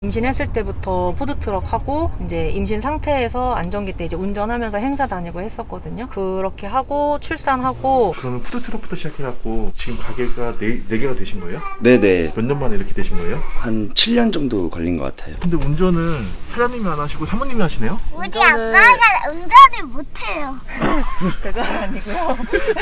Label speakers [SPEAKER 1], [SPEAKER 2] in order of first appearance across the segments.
[SPEAKER 1] 임신했을 때부터 푸드트럭 하고 이제 임신 상태에서 안정기 때 이제 운전하면서 행사 다니고 했었거든요. 그렇게 하고 출산하고.
[SPEAKER 2] 그러면 푸드트럭부터 시작해갖고 지금 가게가 네 개가 되신 거예요?
[SPEAKER 3] 네네.
[SPEAKER 2] 몇 년 만에 이렇게 되신 거예요?
[SPEAKER 3] 한 7년 정도 걸린 것 같아요.
[SPEAKER 2] 근데 운전은 사장님이 안 하시고 사모님이 하시네요?
[SPEAKER 4] 우리 아빠가 운전을 못해요.
[SPEAKER 1] 그건 아니고요.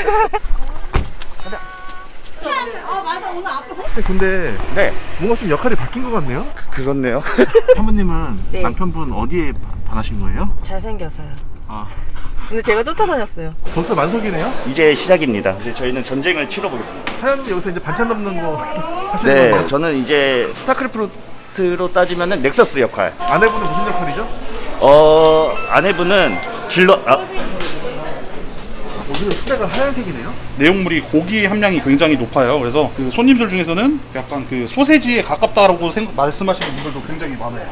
[SPEAKER 2] 근데
[SPEAKER 3] 네.
[SPEAKER 2] 뭔가 좀 역할이 바뀐 것 같네요?
[SPEAKER 3] 그렇네요.
[SPEAKER 2] 사모님은
[SPEAKER 1] 네.
[SPEAKER 2] 남편분 어디에 반하신 거예요?
[SPEAKER 1] 잘생겨서요.
[SPEAKER 2] 아,
[SPEAKER 1] 근데 제가 쫓아다녔어요.
[SPEAKER 2] 벌써 만석이네요?
[SPEAKER 3] 이제 시작입니다. 이제 저희는 전쟁을 치러보겠습니다.
[SPEAKER 2] 사장님 여기서 이제 반찬 담는 거 하시는
[SPEAKER 3] 네,
[SPEAKER 2] 건가요?
[SPEAKER 3] 저는 이제 스타크래프트로 따지면은 넥서스 역할.
[SPEAKER 2] 아내분은 무슨 역할이죠?
[SPEAKER 3] 아내분은
[SPEAKER 2] 오히려 수다가 하얀색이네요?
[SPEAKER 5] 내용물이 고기 함량이 굉장히 높아요. 그래서 그 손님들 중에서는 약간 그 소세지에 가깝다라고 말씀하시는 분들도 굉장히 많아요.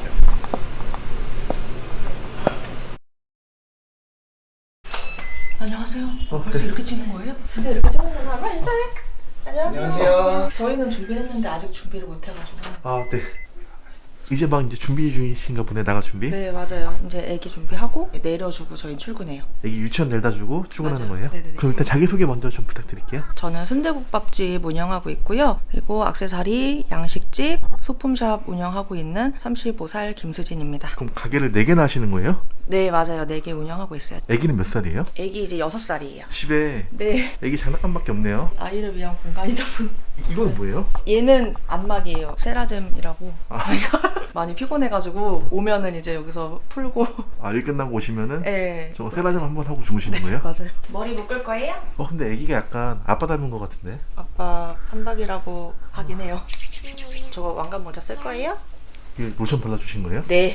[SPEAKER 1] 안녕하세요. 벌써 이렇게 찍는 거예요? 진짜 이렇게 찍는 거예요? 안녕하세요. 저희는 준비를 했는데 아직 준비를 못 해가지고.
[SPEAKER 2] 아, 네. 이제 막 이제 준비 중이신가 보네, 나가 준비?
[SPEAKER 1] 네, 맞아요. 이제 애기 준비하고 내려주고 저희 출근해요.
[SPEAKER 2] 애기 유치원 내다 주고 출근하는
[SPEAKER 1] 맞아요.
[SPEAKER 2] 거예요?
[SPEAKER 1] 네네네.
[SPEAKER 2] 그럼 일단 자기소개 먼저 좀 부탁드릴게요.
[SPEAKER 1] 저는 순대국밥집 운영하고 있고요. 그리고 액세서리, 양식집, 소품샵 운영하고 있는 35살 김수진입니다.
[SPEAKER 2] 그럼 가게를 4개나 하시는 거예요?
[SPEAKER 1] 네, 맞아요. 4개 운영하고 있어요.
[SPEAKER 2] 애기는 몇 살이에요?
[SPEAKER 1] 애기 이제 6살이에요.
[SPEAKER 2] 집에
[SPEAKER 1] 네.
[SPEAKER 2] 애기 장난감밖에 없네요.
[SPEAKER 1] 아이를 위한 공간이다 보니.
[SPEAKER 2] 이거는 뭐예요?
[SPEAKER 1] 얘는 안막이에요. 세라젬이라고.
[SPEAKER 2] 아.
[SPEAKER 1] 많이 피곤해가지고 오면은 이제 여기서 풀고.
[SPEAKER 2] 아, 일 끝나고 오시면은
[SPEAKER 1] 네.
[SPEAKER 2] 저거 세라젬 한번 하고 주무시는 거예요?
[SPEAKER 1] 맞아요. 머리 묶을 거예요?
[SPEAKER 2] 근데 애기가 약간 아빠 닮은 것 같은데?
[SPEAKER 1] 아빠 한박이라고 하긴 해요. 저거 왕관 모자 쓸 거예요?
[SPEAKER 2] 이게 로션 발라주신 거예요?
[SPEAKER 1] 네.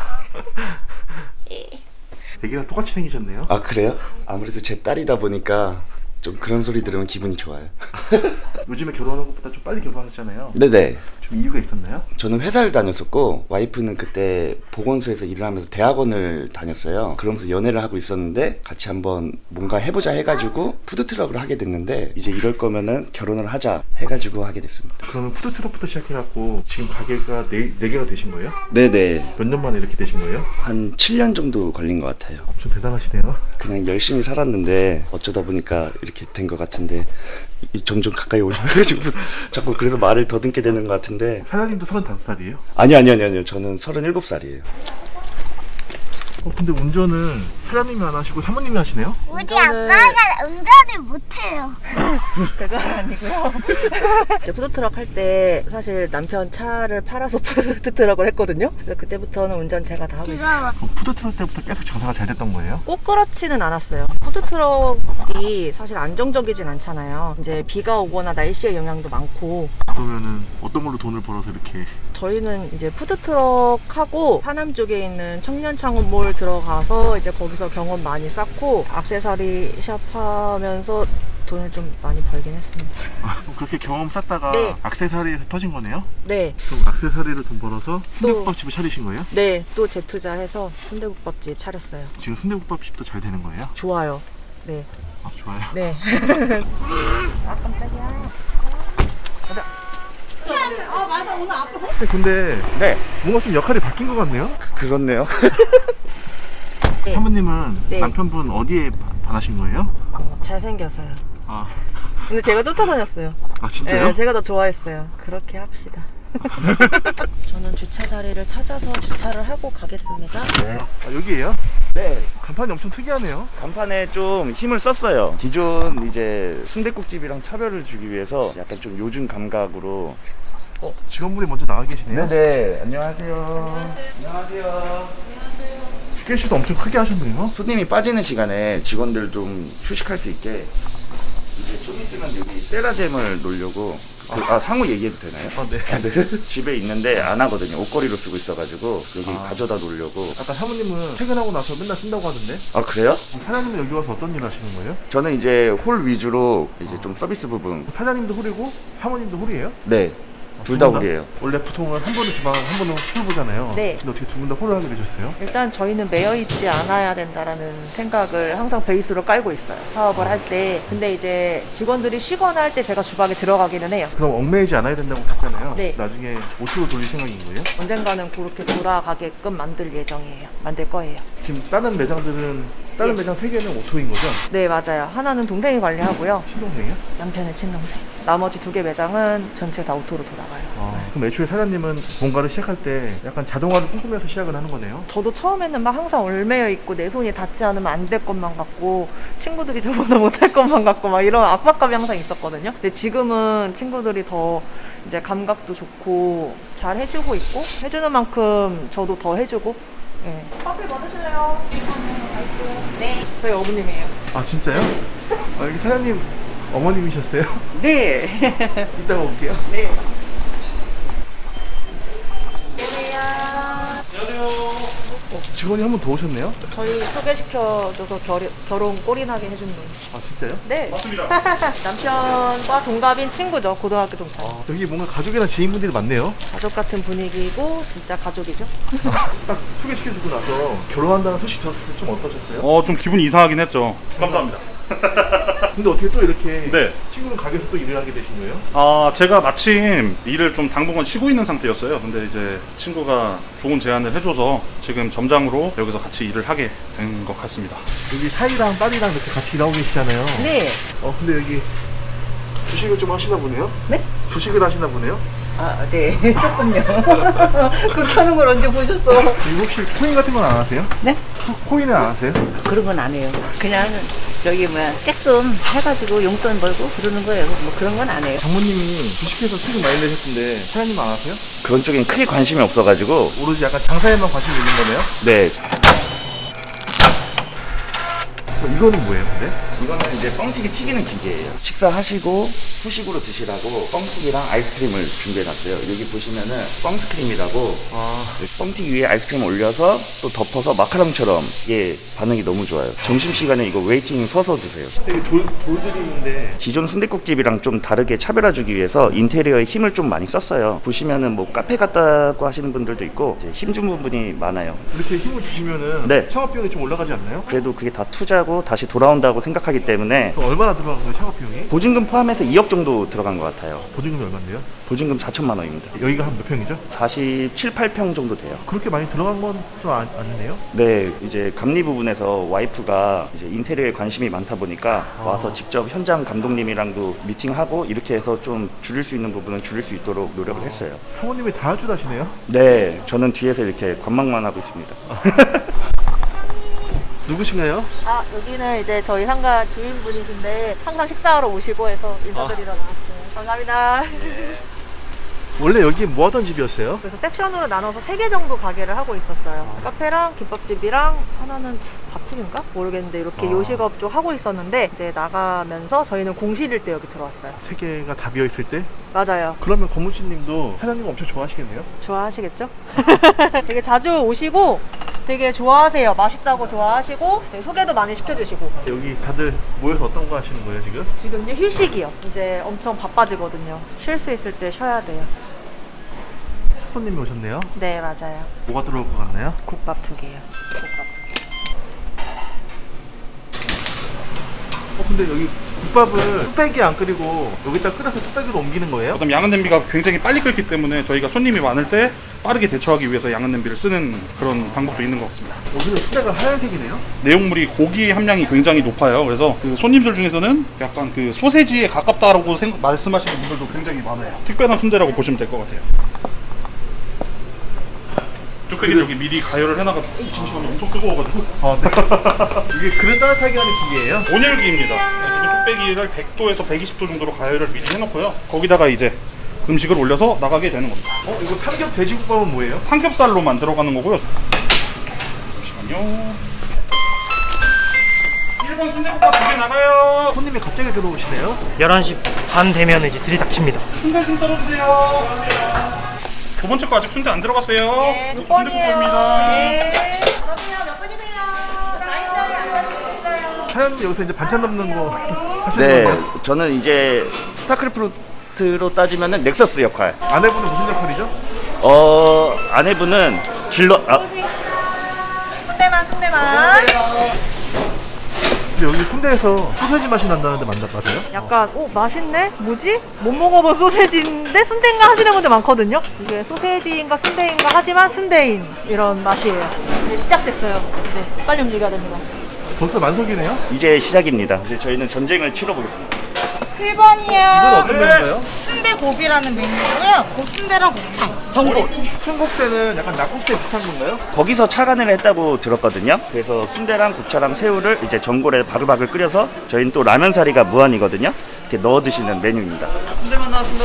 [SPEAKER 2] 애기랑 똑같이 생기셨네요?
[SPEAKER 3] 아, 그래요? 아무래도 제 딸이다 보니까 좀 그런 소리 들으면 기분이 좋아요.
[SPEAKER 2] 요즘에 결혼하는 것보다 좀 빨리 결혼하셨잖아요.
[SPEAKER 3] 네네.
[SPEAKER 2] 좀 이유가 있었나요?
[SPEAKER 3] 저는 회사를 다녔었고 와이프는 그때 보건소에서 일을 하면서 대학원을 다녔어요. 그러면서 연애를 하고 있었는데 같이 한번 뭔가 해보자 해가지고 푸드트럭을 하게 됐는데 이제 이럴 거면은 결혼을 하자 해가지고 하게 됐습니다.
[SPEAKER 2] 그러면 푸드트럭부터 시작해갖고 지금 가게가 네 개가 되신 거예요?
[SPEAKER 3] 네네.
[SPEAKER 2] 몇 년 만에 이렇게 되신 거예요?
[SPEAKER 3] 한 7년 정도 걸린 것 같아요.
[SPEAKER 2] 엄청 대단하시네요.
[SPEAKER 3] 그냥 열심히 살았는데 어쩌다 보니까 이렇게 된 것 같은데 점점 가까이 오셔가지고 자꾸 그래서 말을 더듬게 되는 것 같은데
[SPEAKER 2] 사장님도 35살이에요?
[SPEAKER 3] 아니요 저는 37살이에요.
[SPEAKER 2] 근데 운전은 사장님이 안 하시고 사모님이 하시네요?
[SPEAKER 4] 우리
[SPEAKER 1] 운전을-
[SPEAKER 4] 아빠가 운전을 못해요.
[SPEAKER 1] 그건 아니고요. 이제 푸드트럭 할 때 사실 남편 차를 팔아서 푸드트럭을 했거든요. 그래서 그때부터는 운전 제가 다 하고 있어요.
[SPEAKER 4] 그거
[SPEAKER 2] 그럼 푸드트럭 때부터 계속 장사가 잘 됐던 거예요?
[SPEAKER 1] 꼭 그렇지는 않았어요. 푸드트럭이 사실 안정적이진 않잖아요. 이제 비가 오거나 날씨의 영향도 많고.
[SPEAKER 2] 그러면은 어떤 걸로 돈을 벌어서 이렇게
[SPEAKER 1] 저희는 이제 푸드트럭 하고 하남 쪽에 있는 청년창업몰 들어가서 이제 거기서 경험 많이 쌓고 액세서리 샵 하면서 돈을 좀 많이 벌긴 했습니다.
[SPEAKER 2] 그렇게 경험 쌓다가
[SPEAKER 1] 네.
[SPEAKER 2] 액세서리에서 터진 거네요?
[SPEAKER 1] 네,
[SPEAKER 2] 그럼 액세서리로 돈 벌어서 순대국밥집을 차리신 거예요?
[SPEAKER 1] 네, 또 재투자해서 순대국밥집 차렸어요.
[SPEAKER 2] 지금 순대국밥집도 잘 되는 거예요?
[SPEAKER 1] 좋아요. 네,
[SPEAKER 2] 아, 좋아요.
[SPEAKER 1] 네. 아 깜짝이야. 가자.
[SPEAKER 2] 근데
[SPEAKER 3] 네.
[SPEAKER 2] 뭔가 좀 역할이 바뀐 것 같네요?
[SPEAKER 3] 그렇네요.
[SPEAKER 1] 네.
[SPEAKER 2] 사모님은
[SPEAKER 1] 네.
[SPEAKER 2] 남편분 어디에 반하신 거예요?
[SPEAKER 1] 잘생겨서요.
[SPEAKER 2] 아,
[SPEAKER 1] 근데 제가 쫓아다녔어요.
[SPEAKER 2] 아 진짜요?
[SPEAKER 1] 네, 제가 더 좋아했어요. 그렇게 합시다. 저는 주차 자리를 찾아서 주차를 하고 가겠습니다.
[SPEAKER 2] 아, 여기에요?
[SPEAKER 3] 네.
[SPEAKER 2] 간판이 엄청 특이하네요.
[SPEAKER 3] 간판에 좀 힘을 썼어요. 기존 이제 순댓국집이랑 차별을 주기 위해서 약간 좀 요즘 감각으로.
[SPEAKER 2] 직원분이 먼저 나와 계시네요.
[SPEAKER 3] 네네. 안녕하세요. 안녕하세요.
[SPEAKER 2] 스케치도 엄청 크게 하셨네요.
[SPEAKER 3] 손님이 빠지는 시간에 직원들 좀 휴식할 수 있게 이제 좀 있으면 여기 세라젬을 놓으려고 상호 얘기해도 되나요?
[SPEAKER 2] 아, 네.
[SPEAKER 3] 네. 집에 있는데 안 하거든요. 옷걸이로 쓰고 있어가지고 여기 가져다 놓으려고.
[SPEAKER 2] 아까 사모님은 퇴근하고 나서 맨날 쓴다고 하던데
[SPEAKER 3] 아, 그래요?
[SPEAKER 2] 사장님은 여기 와서 어떤 일 하시는 거예요?
[SPEAKER 3] 저는 이제 홀 위주로 이제 좀 서비스 부분.
[SPEAKER 2] 사장님도 홀이고 사모님도 홀이에요?
[SPEAKER 3] 네. 둘 다 홀이에요.
[SPEAKER 2] 원래 보통은 한 번은 주방, 한 번은 홀 보잖아요.
[SPEAKER 1] 네.
[SPEAKER 2] 근데 어떻게 두 분 다 홀을 하게 되셨어요?
[SPEAKER 1] 일단 저희는 매여 있지 않아야 된다라는 생각을 항상 베이스로 깔고 있어요. 사업을 할 때. 근데 이제 직원들이 쉬거나 할 때 제가 주방에 들어가기는 해요.
[SPEAKER 2] 그럼 얽매이지 않아야 된다고 했잖아요.
[SPEAKER 1] 네.
[SPEAKER 2] 나중에 오토로 돌릴 생각인 거예요?
[SPEAKER 1] 언젠가는 그렇게 돌아가게끔 만들 예정이에요. 만들 거예요.
[SPEAKER 2] 지금 다른 매장들은 다른
[SPEAKER 1] 네.
[SPEAKER 2] 매장 3개는 오토인 거죠?
[SPEAKER 1] 네, 맞아요. 하나는 동생이 관리하고요.
[SPEAKER 2] 신동생이요?
[SPEAKER 1] 남편의 친동생. 나머지 2개 매장은 전체 다 오토로 돌아가요.
[SPEAKER 2] 그럼 애초에 사장님은 뭔가를 시작할 때 약간 자동화를 꿈꾸면서 시작을 하는 거네요?
[SPEAKER 1] 저도 처음에는 막 항상 얼매여 있고 내 손이 닿지 않으면 안 될 것만 같고 친구들이 저보다 못할 것만 같고 막 이런 압박감이 항상 있었거든요. 근데 지금은 친구들이 더 이제 감각도 좋고 잘 해주고 있고 해주는 만큼 저도 더 해주고. 네. 커피 뭐 드실래요? 네. 저희 어머님이에요.
[SPEAKER 2] 아 진짜요? 여기 사장님 어머님이셨어요?
[SPEAKER 1] 네.
[SPEAKER 2] 이따가 올게요.
[SPEAKER 1] 네.
[SPEAKER 2] 직원이 한 분 더 오셨네요?
[SPEAKER 1] 저희 소개시켜줘서 결혼 꼴이나게 해준 분.
[SPEAKER 2] 아 진짜요?
[SPEAKER 1] 네.
[SPEAKER 5] 맞습니다.
[SPEAKER 1] 남편과 동갑인 친구죠. 고등학교 동창.
[SPEAKER 2] 여기 뭔가 가족이나 지인분들이 많네요.
[SPEAKER 1] 가족 같은 분위기고 진짜 가족이죠.
[SPEAKER 2] 딱 소개시켜주고 나서 결혼한다는 소식 들었을 때 좀 어떠셨어요?
[SPEAKER 5] 좀 기분이 이상하긴 했죠. 감사합니다.
[SPEAKER 2] 근데 어떻게 또 이렇게
[SPEAKER 5] 네.
[SPEAKER 2] 친구는 가게에서 또 일을 하게 되신 거예요?
[SPEAKER 5] 제가 마침 일을 좀 당분간 쉬고 있는 상태였어요. 근데 이제 친구가 좋은 제안을 해줘서 지금 점장으로 여기서 같이 일을 하게 된 것 같습니다.
[SPEAKER 2] 여기 사이랑 딸이랑 이렇게 같이 일하고 계시잖아요.
[SPEAKER 1] 네.
[SPEAKER 2] 근데 여기 주식을 좀 하시나 보네요?
[SPEAKER 1] 네?
[SPEAKER 2] 주식을 하시나 보네요?
[SPEAKER 1] 아, 네. 조금요. 그 켜는 걸 언제 보셨어?
[SPEAKER 2] 그리고 혹시 코인 같은 건 안 하세요?
[SPEAKER 6] 네?
[SPEAKER 2] 코인은 안 하세요?
[SPEAKER 6] 그런 건 안 해요. 그냥 저기 뭐야 쬐끔 해가지고 용돈 벌고 그러는 거예요. 뭐 그런 건 안 해요.
[SPEAKER 2] 장모님이 주식해서 수익 많이 내셨던데 사장님 안 하세요?
[SPEAKER 3] 그런 쪽엔 크게 관심이 없어가지고
[SPEAKER 2] 오로지 약간 장사에만 관심이 있는 거네요?
[SPEAKER 3] 네.
[SPEAKER 2] 이거는 뭐예요 근데?
[SPEAKER 3] 이거는 이제 뻥튀기 튀기는 기계예요. 식사하시고 후식으로 드시라고 뻥튀기랑 아이스크림을 준비해놨어요. 여기 보시면은 뻥스크림이라고 뻥튀기 위에 아이스크림 올려서 또 덮어서 마카롱처럼 이게 반응이 너무 좋아요. 점심시간에 이거 웨이팅 서서 드세요.
[SPEAKER 2] 여기 돌들이 있는데
[SPEAKER 3] 기존 순댓국집이랑 좀 다르게 차별화 주기 위해서 인테리어에 힘을 좀 많이 썼어요. 보시면은 뭐 카페 같다고 하시는 분들도 있고 이제 힘준 부분이 많아요.
[SPEAKER 2] 이렇게 힘을 주시면은
[SPEAKER 3] 네.
[SPEAKER 2] 창업비용이 좀 올라가지 않나요?
[SPEAKER 3] 그래도 그게 다 투자고 다시 돌아온다고 생각하기 때문에
[SPEAKER 2] 그럼 얼마나 들어간 거예요 창업비용이?
[SPEAKER 3] 보증금 포함해서 2억 정도 들어간 것 같아요.
[SPEAKER 2] 보증금이 얼마인데요?
[SPEAKER 3] 보증금 4천만 원입니다.
[SPEAKER 2] 여기가 한 몇 평이죠?
[SPEAKER 3] 47, 8평 정도 돼요.
[SPEAKER 2] 그렇게 많이 들어간 건 좀 아니네요?
[SPEAKER 3] 네, 이제 감리 부분에서 와이프가 이제 인테리어에 관심이 많다 보니까 와서 직접 현장 감독님이랑도 미팅하고 이렇게 해서 좀 줄일 수 있는 부분은 줄일 수 있도록 노력을 했어요.
[SPEAKER 2] 사모님이 다 주다시네요?
[SPEAKER 3] 네, 저는 뒤에서 이렇게 관망만 하고 있습니다.
[SPEAKER 2] 누구신가요?
[SPEAKER 1] 아, 여기는 이제 저희 상가 주인분이신데 항상 식사하러 오시고 해서 인사드리러 나왔어요. 감사합니다.
[SPEAKER 2] 원래 여기 뭐 하던 집이었어요?
[SPEAKER 1] 그래서 섹션으로 나눠서 3개 정도 가게를 하고 있었어요. 카페랑 김밥집이랑 하나는 밥집인가? 모르겠는데 이렇게 요식업 쪽 하고 있었는데 이제 나가면서 저희는 공실일 때 여기 들어왔어요.
[SPEAKER 2] 세 개가 다 비어있을 때?
[SPEAKER 1] 맞아요.
[SPEAKER 2] 그러면 권무치님도 사장님 엄청 좋아하시겠네요?
[SPEAKER 1] 좋아하시겠죠? 되게 자주 오시고 되게 좋아하세요. 맛있다고 좋아하시고 되게 소개도 많이 시켜주시고.
[SPEAKER 2] 여기 다들 모여서 어떤 거 하시는 거예요 지금?
[SPEAKER 1] 지금요 휴식이요. 이제 엄청 바빠지거든요. 쉴 수 있을 때 쉬어야 돼요.
[SPEAKER 2] 첫 손님이 오셨네요.
[SPEAKER 1] 네, 맞아요.
[SPEAKER 2] 뭐가 들어올 것 같나요?
[SPEAKER 1] 국밥 2개요. 국밥 2개.
[SPEAKER 2] 근데 여기 국밥을 뚝배기에 안 끓이고 여기다 끓여서 뚝배기로 옮기는 거예요?
[SPEAKER 5] 그다음 양은 냄비가 굉장히 빨리 끓기 때문에 저희가 손님이 많을 때 빠르게 대처하기 위해서 양은 냄비를 쓰는 그런 방법도 있는 것 같습니다.
[SPEAKER 2] 여기는 수대가 하얀색이네요?
[SPEAKER 5] 내용물이 고기 함량이 굉장히 높아요. 그래서 그 손님들 중에서는 약간 그 소세지에 가깝다라고 말씀하시는 분들도 굉장히 많아요. 특별한 순대라고 보시면 될 것 같아요. 뚝배기를 여기 미리 가열을 해놔가지고 잠시만요. 엄청 뜨거워가지고
[SPEAKER 2] 이게 그릇 따뜻하게 하는 기계예요?
[SPEAKER 5] 온열기입니다. 이 뚝배기를 100도에서 120도 정도로 가열을 미리 해놓고요. 거기다가 이제 음식을 올려서 나가게 되는 겁니다.
[SPEAKER 2] 이거 삼겹 돼지국밥은 뭐예요?
[SPEAKER 5] 삼겹살로만 들어가는 거고요. 잠시만요. 1번 순대국밥 2개 나가요.
[SPEAKER 2] 손님이 갑자기 들어오시네요?
[SPEAKER 7] 11시 반 되면 이제 들이닥칩니다.
[SPEAKER 5] 순대 좀 썰어주세요. 두 번째 거 아직 순대 안 들어갔어요.
[SPEAKER 1] 네,
[SPEAKER 5] 이것도 순대국밥입니다.
[SPEAKER 1] 네. 그럼요, 몇 분이세요? 4인짜리 안 가시겠어요?
[SPEAKER 2] 사장님 여기서 이제 반찬 넣는 거 하시는
[SPEAKER 3] 네,
[SPEAKER 2] 건가요?
[SPEAKER 3] 저는 이제 스타크래프트 아티스트로 따지면은 넥서스 역할.
[SPEAKER 2] 아내분은 무슨 역할이죠?
[SPEAKER 3] 아내분은 딜러.
[SPEAKER 1] 순대만.
[SPEAKER 2] 근데 여기 순대에서 소세지 맛이 난다는데 맞아요?
[SPEAKER 1] 약간 맛있네? 뭐지? 못 먹어본 소세지인데 순대인가 하시는 분들 많거든요. 이게 소세지인가 순대인가 하지만 순대인 이런 맛이에요. 이제 시작됐어요. 이제 빨리 움직여야 됩니다.
[SPEAKER 2] 벌써 만석이네요?
[SPEAKER 3] 이제 시작입니다. 이제 저희는 전쟁을 치러보겠습니다.
[SPEAKER 8] 7번이요.
[SPEAKER 2] 이건 어떤 메뉴인가요?
[SPEAKER 8] 순대고비라는 메뉴고요. 곱순대랑 곱창, 전골.
[SPEAKER 2] 순국새는 약간 낙국새 비슷한 건가요?
[SPEAKER 3] 거기서 차관을 했다고 들었거든요. 그래서 순대랑 고차랑 새우를 이제 전골에 바글바글 끓여서 저희는 또 라면 사리가 무한이거든요. 이렇게 넣어 드시는 메뉴입니다.
[SPEAKER 8] 순대만 나왔습니다.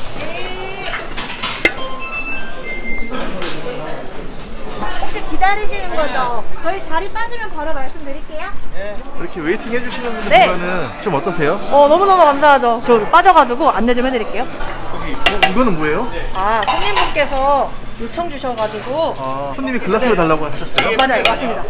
[SPEAKER 4] 혹시 기다리시는 거죠? 저희 자리 빠지면 바로 말씀드릴게요.
[SPEAKER 2] 이렇게 웨이팅 해주시는 분들
[SPEAKER 1] 네.
[SPEAKER 2] 보면은 좀 어떠세요?
[SPEAKER 1] 너무너무 감사하죠. 저 빠져가지고 안내 좀 해드릴게요.
[SPEAKER 2] 이거는 뭐예요?
[SPEAKER 1] 손님분께서 요청 주셔가지고
[SPEAKER 2] 손님이 글라스를 달라고 하셨어요?
[SPEAKER 1] 맞아요. 맞습니다.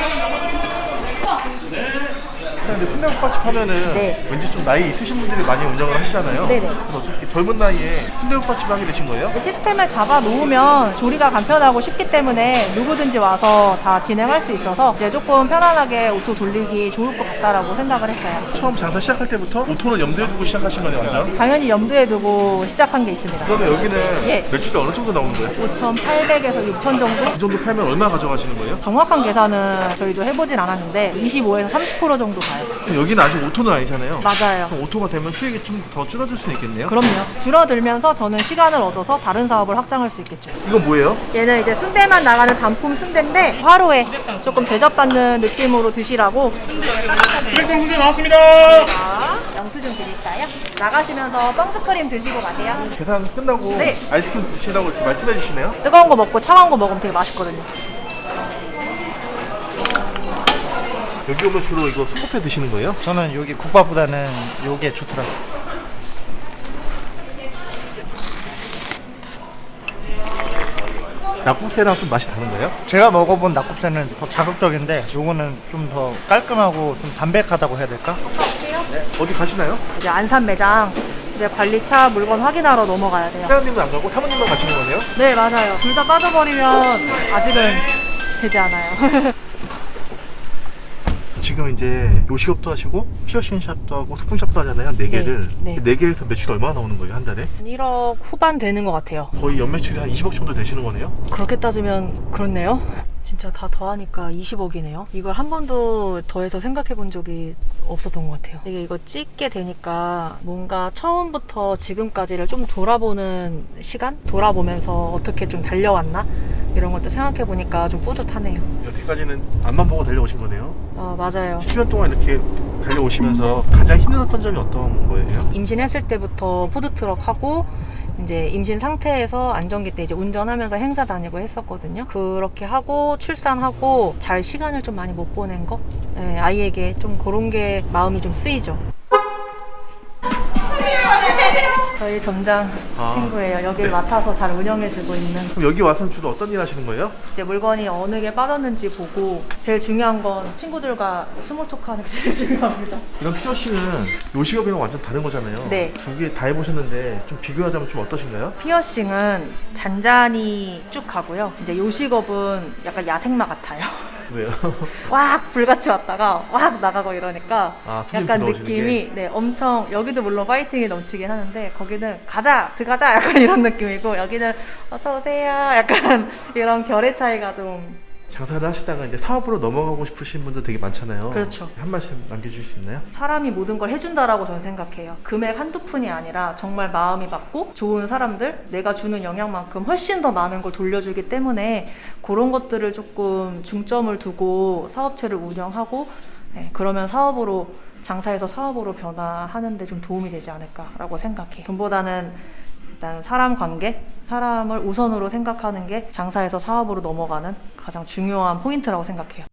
[SPEAKER 2] 근데 순대국밥집 하면은
[SPEAKER 1] 네.
[SPEAKER 2] 왠지 좀 나이 있으신 분들이 많이 운영을 하시잖아요.
[SPEAKER 1] 네네.
[SPEAKER 2] 그래서 어떻게 젊은 나이에 순대국밥집을 하게 되신 거예요?
[SPEAKER 1] 시스템을 잡아 놓으면 조리가 간편하고 쉽기 때문에 누구든지 와서 다 진행할 수 있어서 이제 조금 편안하게 오토 돌리기 좋을 것 같다라고 생각을 했어요.
[SPEAKER 2] 처음 장사 시작할 때부터 오토를 염두에 두고 시작하신 거네요, 완전?
[SPEAKER 1] 당연히 염두에 두고 시작한 게 있습니다.
[SPEAKER 2] 그러면 여기는
[SPEAKER 1] 예.
[SPEAKER 2] 매출이 어느 정도 나오는 거예요?
[SPEAKER 1] 5,800에서 6,000 정도?
[SPEAKER 2] 이 정도 팔면 얼마 가져가시는 거예요?
[SPEAKER 1] 정확한 계산은 저희도 해보진 않았는데 25에서 30% 정도 가요.
[SPEAKER 2] 그럼 여기는 아직 오토는 아니잖아요.
[SPEAKER 1] 맞아요.
[SPEAKER 2] 그럼 오토가 되면 수익이 좀 더 줄어들 수 있겠네요?
[SPEAKER 1] 그럼요. 줄어들면서 저는 시간을 얻어서 다른 사업을 확장할 수 있겠죠.
[SPEAKER 2] 이건 뭐예요?
[SPEAKER 1] 얘는 이제 순대만 나가는 단품 순대인데 화로에 조금 대접받는 느낌으로 드시라고
[SPEAKER 5] 수백점 순대 나왔습니다.
[SPEAKER 1] 영수증 드릴까요? 나가시면서 뻥스크림 드시고 가세요.
[SPEAKER 2] 계산 끝나고
[SPEAKER 1] 네.
[SPEAKER 2] 아이스크림 드시라고 이렇게 말씀해 주시네요.
[SPEAKER 1] 뜨거운 거 먹고 차가운 거 먹으면 되게 맛있거든요.
[SPEAKER 2] 여기 오면 주로 이거 순국새 드시는 거예요?
[SPEAKER 9] 저는 여기 국밥보다는 요게 좋더라고요.
[SPEAKER 2] 낙국새랑 좀 맛이 다른 거예요?
[SPEAKER 9] 제가 먹어본 낙곱새는 더 자극적인데 요거는 좀 더 깔끔하고 좀 담백하다고 해야 될까?
[SPEAKER 2] 어디 가시나요?
[SPEAKER 1] 이제 안산 매장 이제 관리차 물건 확인하러 넘어가야 돼요.
[SPEAKER 2] 사장님은 안 가고 사모님만 가시는 거네요?
[SPEAKER 1] 네, 맞아요. 둘 다 빠져버리면 아직은 되지 않아요.
[SPEAKER 2] 지금 이제 요식업도 하시고 피어싱 샵도 하고 소품샵도 하잖아요. 네 개를.
[SPEAKER 1] 네.
[SPEAKER 2] 네 개에서 매출 얼마나 나오는 거예요, 한 달에?
[SPEAKER 1] 1억 후반 되는 것 같아요.
[SPEAKER 2] 거의 연매출이 한 20억 정도 되시는 거네요?
[SPEAKER 1] 그렇게 따지면 그렇네요. 진짜 다 더하니까 20억이네요. 이걸 한 번도 더해서 생각해 본 적이 없었던 것 같아요. 이거 찍게 되니까 뭔가 처음부터 지금까지를 좀 돌아보는 시간? 돌아보면서 어떻게 좀 달려왔나? 이런 것도 생각해 보니까 좀 뿌듯하네요.
[SPEAKER 2] 여태까지는 앞만 보고 달려오신 거네요.
[SPEAKER 1] 맞아요.
[SPEAKER 2] 10년 동안 이렇게 달려오시면서 가장 힘들었던 점이 어떤 거예요?
[SPEAKER 1] 임신했을 때부터 푸드트럭 하고 이제 임신 상태에서 안정기 때 이제 운전하면서 행사 다니고 했었거든요. 그렇게 하고 출산하고 잘 시간을 좀 많이 못 보낸 거? 네, 아이에게 좀 그런 게 마음이 좀 쓰이죠. 저희 점장 친구예요. 여기를 맡아서 잘 운영해주고 있는.
[SPEAKER 2] 그럼 여기 와서 주로 어떤 일 하시는 거예요?
[SPEAKER 1] 이제 물건이 어느 게 빠졌는지 보고 제일 중요한 건 친구들과 스몰 토크 하는 게 제일 중요합니다.
[SPEAKER 2] 이런 피어싱은 요식업이랑 완전 다른 거잖아요.
[SPEAKER 1] 네.
[SPEAKER 2] 두 개 다 해보셨는데 좀 비교하자면 좀 어떠신가요?
[SPEAKER 1] 피어싱은 잔잔히 쭉 가고요. 이제 요식업은 약간 야생마 같아요.
[SPEAKER 2] 왜요?
[SPEAKER 1] 왁 불같이 왔다가 왁 나가고 이러니까
[SPEAKER 2] 손님
[SPEAKER 1] 약간
[SPEAKER 2] 들어오시는
[SPEAKER 1] 느낌이 네 엄청 여기도 물론 파이팅이 넘치긴 하는데 거기는 가자 들어가자 약간 이런 느낌이고 여기는 어서 오세요 약간 이런 결의 차이가 좀
[SPEAKER 2] 장사를 하시다가 이제 사업으로 넘어가고 싶으신 분들 되게 많잖아요.
[SPEAKER 1] 그렇죠.
[SPEAKER 2] 한 말씀 남겨주실 수 있나요?
[SPEAKER 1] 사람이 모든 걸 해준다라고 저는 생각해요. 금액 한두 푼이 아니라 정말 마음이 받고 좋은 사람들, 내가 주는 영향만큼 훨씬 더 많은 걸 돌려주기 때문에 그런 것들을 조금 중점을 두고 사업체를 운영하고 그러면 사업으로 장사에서 사업으로 변화하는 데 좀 도움이 되지 않을까라고 생각해요. 돈보다는 일단 사람 관계, 사람을 우선으로 생각하는 게 장사에서 사업으로 넘어가는 가장 중요한 포인트라고 생각해요.